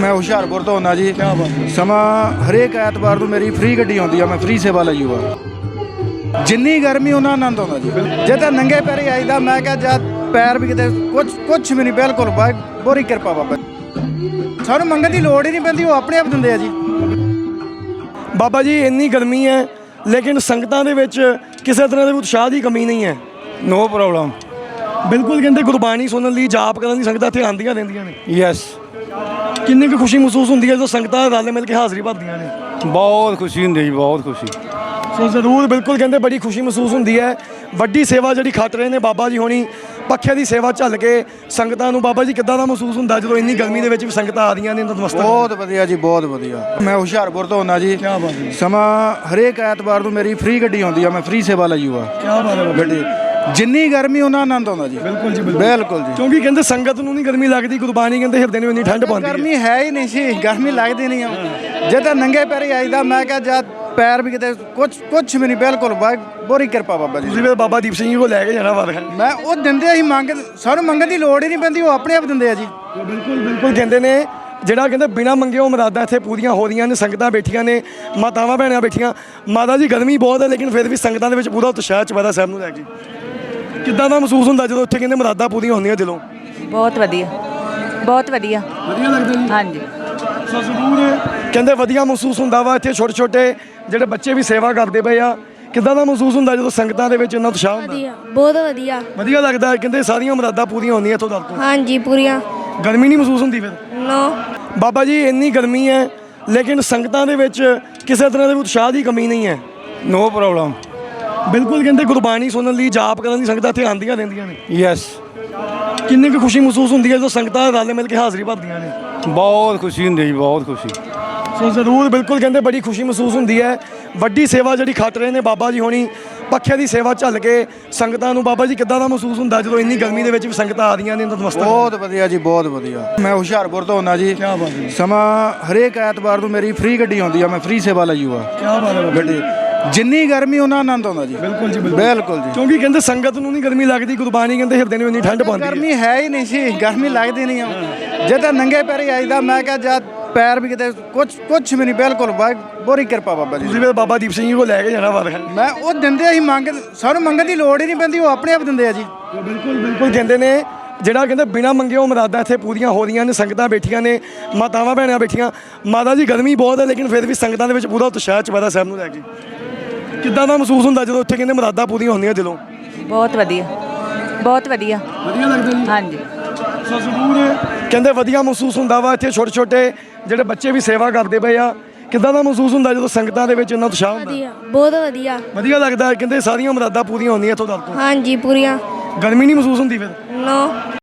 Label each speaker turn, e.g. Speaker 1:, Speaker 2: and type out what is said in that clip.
Speaker 1: मैं ਹੁਸ਼ਿਆਰਪੁਰ ਤੋਂ ਆਉਂਦਾ ਜੀ।
Speaker 2: क्या बात है।
Speaker 1: ਸਮਾਂ ਹਰੇਕ ਐਤਵਾਰ ਨੂੰ ਮੇਰੀ ਫ੍ਰੀ ਗੱਡੀ ਆਉਂਦੀ ਆ, ਮੈਂ ਫ੍ਰੀ ਸੇਵਾ ਲਈ ਹੋਆ। ਜਿੰਨੀ ਗਰਮੀ ਉਹਨਾਂ ਆਨੰਦ ਆਉਂਦਾ ਜੀ। ਜੇ ਤਾਂ ਨੰਗੇ ਪੈਰੀ ਆਈਦਾ, ਮੈਂ ਕਿਹਾ ਜਦ ਪੈਰ ਵੀ ਕਿਤੇ ਕੁਛ ਵੀ ਨਹੀਂ, ਬਿਲਕੁਲ ਬੋਰੀ ਕਿਰਪਾ ਬਾਬਾ। ਸਾਨੂੰ ਮੰਗਣ ਦੀ ਲੋੜ ਹੀ ਨਹੀਂ ਪੈਂਦੀ, ਉਹ ਆਪਣੇ ਆਪ ਦਿੰਦੇ ਆ ਜੀ।
Speaker 2: ਬਾਬਾ ਜੀ ਇੰਨੀ ਗਰਮੀ ਹੈ ਲੇਕਿਨ ਸੰਗਤਾਂ ਦੇ ਵਿੱਚ ਕਿਸੇ ਤਰ੍ਹਾਂ ਦੇ ਉਤਸ਼ਾਹ ਦੀ ਕਮੀ ਨਹੀਂ ਹੈ।
Speaker 1: No problem.
Speaker 2: ਬਿਲਕੁਲ ਕਹਿੰਦੇ ਗੁਰਬਾਣੀ ਸੁਣਨ ਲਈ, ਜਾਪ ਕਰਨ ਲਈ ਸੰਗਤਾਂ ਇੱਥੇ ਆਉਂਦੀਆਂ ਰਹਿੰਦੀਆਂ ਨੇ।
Speaker 1: ਯੈਸ,
Speaker 2: ਕਿੰਨੀ ਕੁ ਖੁਸ਼ੀ ਮਹਿਸੂਸ ਹੁੰਦੀ ਹੈ ਜਦੋਂ ਸੰਗਤਾਂ ਰਲ ਮਿਲ ਕੇ ਹਾਜ਼ਰੀ ਭਰਦੀਆਂ ਨੇ।
Speaker 1: ਬਹੁਤ ਖੁਸ਼ੀ ਹੁੰਦੀ ਜੀ, ਬਹੁਤ ਖੁਸ਼ੀ।
Speaker 2: ਸੋ ਜ਼ਰੂਰ ਬਿਲਕੁਲ ਕਹਿੰਦੇ ਬੜੀ ਖੁਸ਼ੀ ਮਹਿਸੂਸ ਹੁੰਦੀ ਹੈ। ਵੱਡੀ ਸੇਵਾ ਜਿਹੜੀ ਖੱਟ ਰਹੇ ਨੇ ਬਾਬਾ ਜੀ ਹੋਣੀ, ਪੱਖੇ ਦੀ ਸੇਵਾ ਝੱਲ ਕੇ ਸੰਗਤਾਂ ਨੂੰ। ਬਾਬਾ ਜੀ ਕਿੱਦਾਂ ਦਾ ਮਹਿਸੂਸ ਹੁੰਦਾ ਜਦੋਂ ਇੰਨੀ ਗਰਮੀ ਦੇ ਵਿੱਚ ਵੀ ਸੰਗਤਾਂ ਆ ਰਹੀਆਂ ਨੇ ਨਤਮਸਤਕ?
Speaker 1: ਬਹੁਤ ਵਧੀਆ ਜੀ, ਬਹੁਤ ਵਧੀਆ। ਮੈਂ ਹੁਸ਼ਿਆਰਪੁਰ ਤੋਂ ਆਉਂਦਾ ਜੀ।
Speaker 2: ਕੀ ਬਾਤ ਹੈ।
Speaker 1: ਸਮਾਂ ਹਰੇਕ ਐਤਵਾਰ ਨੂੰ ਮੇਰੀ ਫ੍ਰੀ ਗੱਡੀ ਆਉਂਦੀ ਆ, ਮੈਂ ਫ੍ਰੀ ਸੇਵਾ ਲਈ ਹੋਆ।
Speaker 2: ਕੀ ਬਾਤ ਹੈ।
Speaker 1: ਗੱਡੀ ਜਿੰਨੀ ਗਰਮੀ ਉਹਨਾਂ ਆਨੰਦ ਆਉਂਦਾ ਜੀ।
Speaker 2: ਬਿਲਕੁਲ ਜੀ,
Speaker 1: ਬਿਲਕੁਲ ਜੀ।
Speaker 2: ਕਿਉਂਕਿ ਕਹਿੰਦੇ ਸੰਗਤ ਨੂੰ ਨਹੀਂ ਗਰਮੀ ਲੱਗਦੀ, ਗੁਰਬਾਣੀ ਕਹਿੰਦੇ ਹਿਰਦੇ ਨੂੰ ਇੰਨੀ ਠੰਡ ਪਾਉਂਦੀ ਹੈ।
Speaker 1: ਗਰਮੀ ਹੈ ਹੀ ਨਹੀਂ ਸੀ, ਗਰਮੀ ਲੱਗਦੀ ਨਹੀਂ ਆ। ਜੇ ਤਾਂ ਨੰਗੇ ਪੈਰੀ ਆਈਦਾ, ਮੈਂ ਕਿਹਾ ਜਦ ਪੈਰ ਵੀ ਕਿਤੇ ਕੁਛ ਵੀ ਨਹੀਂ, ਬਿਲਕੁਲ ਬੋਰੀ ਕਿਰਪਾ ਬਾਬਾ ਜੀ।
Speaker 2: ਤੁਸੀਂ ਫਿਰ ਬਾਬਾ ਦੀਪ ਸਿੰਘ ਜੀ ਕੋਲ ਲੈ ਕੇ ਜਾਣਾ ਬਾਬਾ।
Speaker 1: ਮੈਂ ਉਹ ਦਿੰਦੇ ਅਸੀਂ ਸਾਨੂੰ ਮੰਗਣ ਦੀ ਲੋੜ ਹੀ ਨਹੀਂ ਪੈਂਦੀ, ਉਹ ਆਪਣੇ ਆਪ ਦਿੰਦੇ ਆ ਜੀ।
Speaker 2: ਬਿਲਕੁਲ ਕਹਿੰਦੇ ਨੇ ਜਿਹੜਾ ਕਹਿੰਦੇ ਬਿਨਾਂ ਮੰਗੇ ਉਹ ਮੁਰਾਦਾਂ ਇੱਥੇ ਪੂਰੀਆਂ ਹੋ ਰਹੀਆਂ ਨੇ। ਸੰਗਤਾਂ ਬੈਠੀਆਂ ਨੇ, ਮਾਤਾਵਾਂ ਭੈਣਾਂ ਬੈਠੀਆਂ। ਮਾਤਾ ਜੀ ਗਰਮੀ ਬਹੁਤ ਹੈ ਲੇਕਿਨ ਫਿਰ ਵੀ ਸੰਗਤਾਂ ਦੇ ਵਿੱਚ ਪੂਰਾ ਉਤਸ਼ਾਹ ਚੁਪਹਿਰਾ ਸਾਹਿਬ ਨੂੰ ਲੈ ਕੇ। ਕਿੱਦਾਂ ਦਾ ਮਹਿਸੂਸ ਹੁੰਦਾ ਜਦੋਂ ਉੱਥੇ ਕਹਿੰਦੇ ਮੁਰਾਦਾਂ ਪੂਰੀਆਂ ਹੁੰਦੀਆਂ ਦਿਲੋਂ?
Speaker 3: ਬਹੁਤ ਵਧੀਆ, ਬਹੁਤ ਵਧੀਆ।
Speaker 2: ਵਧੀਆ ਲੱਗਦਾ ਜੀ।
Speaker 3: ਹਾਂਜੀ,
Speaker 2: ਸੋ ਜ਼ਰੂਰ ਕਹਿੰਦੇ ਵਧੀਆ ਮਹਿਸੂਸ ਹੁੰਦਾ ਵਾ। ਇੱਥੇ ਛੋਟੇ ਛੋਟੇ ਜਿਹੜੇ ਬੱਚੇ ਵੀ ਸੇਵਾ ਕਰਦੇ ਪਏ ਆ। ਕਿੱਦਾਂ ਦਾ ਮਹਿਸੂਸ ਹੁੰਦਾ ਜਦੋਂ ਸੰਗਤਾਂ ਦੇ ਵਿੱਚ ਇੰਨਾ ਉਤਸ਼ਾਹ ਹੁੰਦਾ?
Speaker 4: ਵਧੀਆ, ਬਹੁਤ ਵਧੀਆ।
Speaker 2: ਵਧੀਆ ਲੱਗਦਾ ਹੈ। ਕਹਿੰਦੇ ਸਾਰੀਆਂ ਮੁਰਾਦਾਂ ਪੂਰੀਆਂ ਹੁੰਦੀਆਂ ਇੱਥੋਂ ਤੱਕ।
Speaker 4: ਹਾਂਜੀ, ਪੂਰੀਆਂ।
Speaker 2: ਗਰਮੀ ਨਹੀਂ ਮਹਿਸੂਸ ਹੁੰਦੀ ਫਿਰ?
Speaker 4: ਨੋ।
Speaker 2: ਬਾਬਾ ਜੀ ਇੰਨੀ ਗਰਮੀ ਹੈ ਲੇਕਿਨ ਸੰਗਤਾਂ ਦੇ ਵਿੱਚ ਕਿਸੇ ਤਰ੍ਹਾਂ ਦੇ ਉਤਸ਼ਾਹ ਦੀ ਕਮੀ ਨਹੀਂ ਹੈ।
Speaker 1: No problem.
Speaker 2: ਬਿਲਕੁਲ ਕਹਿੰਦੇ ਗੁਰਬਾਣੀ ਸੁਣਨ ਲਈ, ਜਾਪ ਕਰਨ ਲਈ ਸੰਗਤਾਂ ਇੱਥੇ ਆਉਂਦੀਆਂ ਰਹਿੰਦੀਆਂ ਨੇ।
Speaker 1: ਯੈਸ,
Speaker 2: ਕਿੰਨੀ ਕੁ ਖੁਸ਼ੀ ਮਹਿਸੂਸ ਹੁੰਦੀ ਹੈ ਜਦੋਂ ਸੰਗਤਾਂ ਰਲ ਮਿਲ ਕੇ ਹਾਜ਼ਰੀ ਭਰਦੀਆਂ ਨੇ।
Speaker 1: ਬਹੁਤ ਖੁਸ਼ੀ ਹੁੰਦੀ ਜੀ, ਬਹੁਤ ਖੁਸ਼ੀ।
Speaker 2: ਸੋ ਜ਼ਰੂਰ ਬਿਲਕੁਲ ਕਹਿੰਦੇ ਬੜੀ ਖੁਸ਼ੀ ਮਹਿਸੂਸ ਹੁੰਦੀ ਹੈ। ਵੱਡੀ ਸੇਵਾ ਜਿਹੜੀ ਖੱਟ ਰਹੇ ਨੇ ਬਾਬਾ ਜੀ ਹੋਣੀ, ਪੱਖੇ ਦੀ ਸੇਵਾ ਝੱਲ ਕੇ ਸੰਗਤਾਂ ਨੂੰ। ਬਾਬਾ ਜੀ ਕਿੱਦਾਂ ਦਾ ਮਹਿਸੂਸ ਹੁੰਦਾ ਜਦੋਂ ਇੰਨੀ ਗਰਮੀ ਦੇ ਵਿੱਚ ਵੀ ਸੰਗਤਾਂ ਆ ਰਹੀਆਂ ਨੇ ਨਤਮਸਤਕ?
Speaker 1: ਬਹੁਤ ਵਧੀਆ ਜੀ, ਬਹੁਤ ਵਧੀਆ। ਮੈਂ ਹੁਸ਼ਿਆਰਪੁਰ ਤੋਂ ਆਉਂਦਾ ਜੀ।
Speaker 2: ਕੀ ਬਾਤ ਹੈ।
Speaker 1: ਸਮਾਂ ਹਰੇਕ ਐਤਵਾਰ ਨੂੰ ਮੇਰੀ ਫ੍ਰੀ ਗੱਡੀ ਆਉਂਦੀ ਆ, ਮੈਂ ਫ੍ਰੀ ਸੇਵਾ ਲਈ ਹੋਆ।
Speaker 2: ਕੀ ਬਾਤ ਹੈ।
Speaker 1: ਗੱਡੀ ਜਿੰਨੀ ਗਰਮੀ ਉਹਨਾਂ ਆਨੰਦ ਆਉਂਦਾ ਜੀ।
Speaker 2: ਬਿਲਕੁਲ ਜੀ,
Speaker 1: ਬਿਲਕੁਲ ਜੀ।
Speaker 2: ਕਿਉਂਕਿ ਕਹਿੰਦੇ ਸੰਗਤ ਨੂੰ ਨਹੀਂ ਗਰਮੀ ਲੱਗਦੀ, ਗੁਰਬਾਣੀ ਕਹਿੰਦੇ ਹਿਰਦੇ ਨੂੰ ਇੰਨੀ ਠੰਡ ਪਾਉਂਦੀ ਹੈ।
Speaker 1: ਗਰਮੀ ਹੈ ਹੀ ਨਹੀਂ ਸੀ, ਗਰਮੀ ਲੱਗਦੀ ਨਹੀਂ ਆ। ਜੇ ਤਾਂ ਨੰਗੇ ਪੈਰੀ ਆਈਦਾ, ਮੈਂ ਕਿਹਾ ਜਦ ਪੈਰ ਵੀ ਕਿਤੇ ਕੁਛ ਵੀ ਨਹੀਂ, ਬਿਲਕੁਲ ਬੋਰੀ ਕਿਰਪਾ ਬਾਬਾ ਜੀ।
Speaker 2: ਤੁਸੀਂ ਫਿਰ ਬਾਬਾ ਦੀਪ ਸਿੰਘ ਜੀ ਕੋਲ ਲੈ ਕੇ ਜਾਣਾ ਬਾਬਾ।
Speaker 1: ਮੈਂ ਉਹ ਦਿੰਦੇ ਅਸੀਂ ਸਾਨੂੰ ਮੰਗਣ ਦੀ ਲੋੜ ਹੀ ਨਹੀਂ ਪੈਂਦੀ, ਉਹ ਆਪਣੇ ਆਪ ਦਿੰਦੇ ਆ ਜੀ।
Speaker 2: ਬਿਲਕੁਲ ਕਹਿੰਦੇ ਨੇ ਜਿਹੜਾ ਕਹਿੰਦੇ ਬਿਨਾਂ ਮੰਗੇ ਉਹ ਮੁਰਾਦਾਂ ਇੱਥੇ ਪੂਰੀਆਂ ਹੋ ਰਹੀਆਂ ਨੇ। ਸੰਗਤਾਂ ਬੈਠੀਆਂ ਨੇ, ਮਾਤਾਵਾਂ ਭੈਣਾਂ ਬੈਠੀਆਂ। ਮਾਤਾ ਜੀ ਗਰਮੀ ਬਹੁਤ ਹੈ ਲੇਕਿਨ ਫਿਰ ਵੀ ਸੰਗਤਾਂ ਦੇ ਵਿੱਚ ਪੂਰਾ ਉਤਸ਼ਾਹ ਚੁਪਹਿਰਾ ਸਾਹਿਬ ਨੂੰ ਲੈ ਕੇ। ਕਿੱਦਾਂ ਦਾ ਮਹਿਸੂਸ ਹੁੰਦਾ ਜਦੋਂ ਉੱਥੇ ਕਹਿੰਦੇ ਮੁਰਾਦਾਂ ਪੂਰੀਆਂ ਹੁੰਦੀਆਂ ਦਿਲੋਂ?
Speaker 3: ਬਹੁਤ ਵਧੀਆ, ਬਹੁਤ ਵਧੀਆ।
Speaker 2: ਵਧੀਆ ਲੱਗਦਾ ਜੀ।
Speaker 3: ਹਾਂਜੀ,
Speaker 2: ਸੋ ਜ਼ਰੂਰ ਕਹਿੰਦੇ ਵਧੀਆ ਮਹਿਸੂਸ ਹੁੰਦਾ ਵਾ। ਇੱਥੇ ਛੋਟੇ ਛੋਟੇ ਜਿਹੜੇ ਬੱਚੇ ਵੀ ਸੇਵਾ ਕਰਦੇ ਪਏ ਆ। ਕਿੱਦਾਂ ਦਾ ਮਹਿਸੂਸ ਹੁੰਦਾ ਜਦੋਂ ਸੰਗਤਾਂ ਦੇ ਵਿੱਚ ਇੰਨਾ ਉਤਸ਼ਾਹ ਹੁੰਦਾ?
Speaker 4: ਵਧੀਆ, ਬਹੁਤ ਵਧੀਆ।
Speaker 2: ਵਧੀਆ ਲੱਗਦਾ ਹੈ। ਕਹਿੰਦੇ ਸਾਰੀਆਂ ਮੁਰਾਦਾਂ ਪੂਰੀਆਂ ਹੁੰਦੀਆਂ ਇੱਥੋਂ ਤੱਕ।
Speaker 4: ਹਾਂਜੀ, ਪੂਰੀਆਂ।
Speaker 2: ਗਰਮੀ ਨਹੀਂ ਮਹਿਸੂਸ ਹੁੰਦੀ ਫਿਰ?
Speaker 4: ਨੋ।